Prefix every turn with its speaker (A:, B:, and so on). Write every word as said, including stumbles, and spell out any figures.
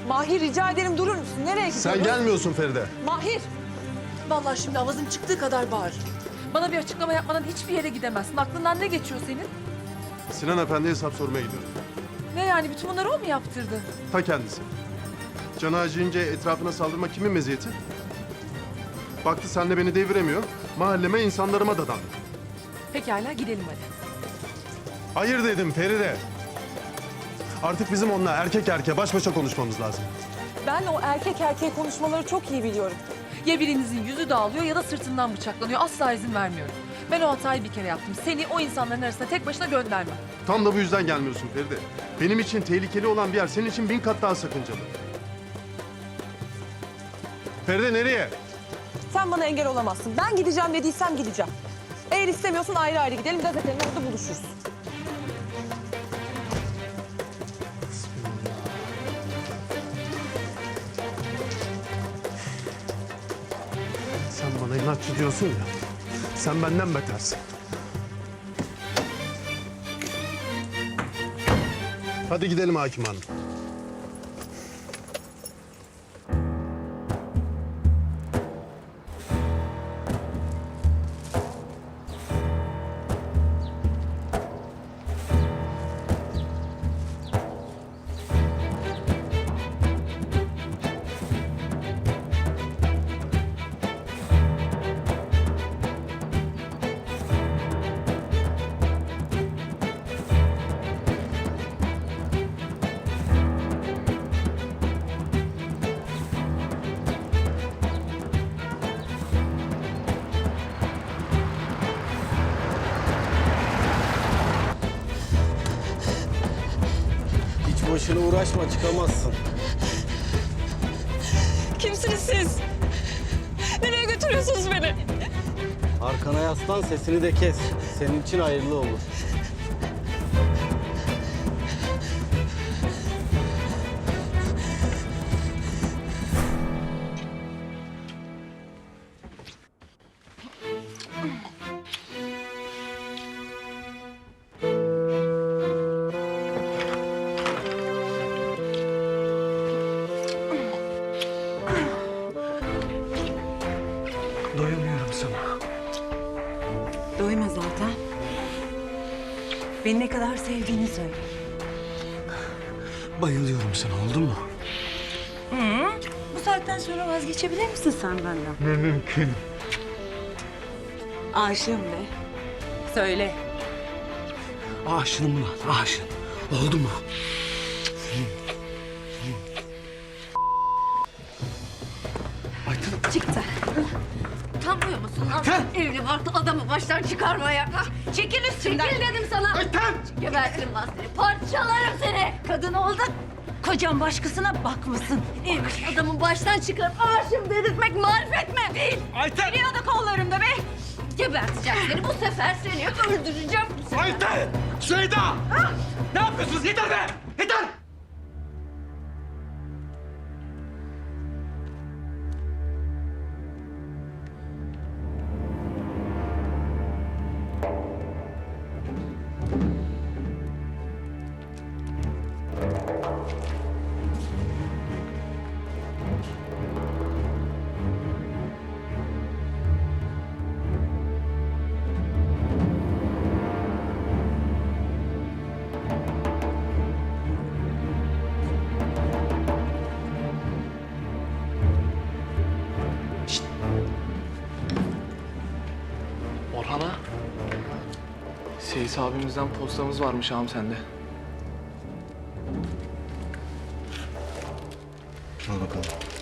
A: Mahir rica ederim durur musun? Nereye gidiyorsun?
B: Sen gelmiyorsun Feride.
A: Mahir.
C: Vallahi şimdi avazın çıktığı kadar bağır. Bana bir açıklama yapmadan hiçbir yere gidemezsin. Aklından ne geçiyor senin?
B: Sinan Efendi'ye hesap sormaya gidiyorum.
C: Ne yani bütün bunları o mu yaptırdı?
B: Ta kendisi. Canı acıyınca etrafına saldırmak kimin meziyeti? Baktı senle beni deviremiyor. Mahalleme, insanlarıma dadandı.
C: Pekala gidelim hadi.
B: Hayır dedim Feride. Artık bizim onunla erkek erkeğe baş başa konuşmamız lazım.
A: Ben o erkek erkeğe konuşmaları çok iyi biliyorum.
C: Ya birinizin yüzü dağılıyor ya da sırtından bıçaklanıyor. Asla izin vermiyorum. Ben o hatayı bir kere yaptım. Seni o insanların arasına tek başına göndermem.
B: Tam da bu yüzden gelmiyorsun Feride. Benim için tehlikeli olan bir yer senin için bin kat daha sakıncalı. Feride nereye?
A: Sen bana engel olamazsın. Ben gideceğim dediysem gideceğim. Eğer istemiyorsun ayrı ayrı gidelim. Gazetenin orada buluşuruz.
B: Sen bana inatçı diyorsun ya. Sen benden betersin. Hadi gidelim Hakim Hanım.
D: Boşuna uğraşma, çıkamazsın.
A: Kimsiniz siz? Nereye götürüyorsunuz beni?
D: Arkana yaslan, sesini de kes. Senin için hayırlı olur.
E: Doyamıyorum sana.
F: Doyma zaten. Beni ne kadar sevdiğini söyle.
E: Bayılıyorum sana, oldu mu?
F: Bu saatten sonra vazgeçebilir misin sen benden?
E: Ne mümkün.
F: Aşığım de. Söyle.
E: Aşığım lan, aşığım. Oldu mu? Ayten.
F: Çıktı.
G: Utanmıyor musun lan? Evli barklı adamı baştan çıkarmaya. Çekil üstümden. Çekil dedim sana.
E: Ayten!
G: Gebertirim lan seni. Parçalarım seni. Kadın oldun.
F: Kocan başkasına bakmasın.
G: Evli adamı baştan çıkarıp aşığım dedirtmek marifet mi? Değil.
E: Ayten!
G: Biliyordu kollarımda be. Geberteceğim seni. Bu sefer seni öldüreceğim. Bu sefer.
E: Ayten! Süheyda! Ne yapıyorsunuz? Yeter be! Yeter!
H: Orhan'a, Seyis abimizden postamız varmış ağam sende.
E: Al bakalım.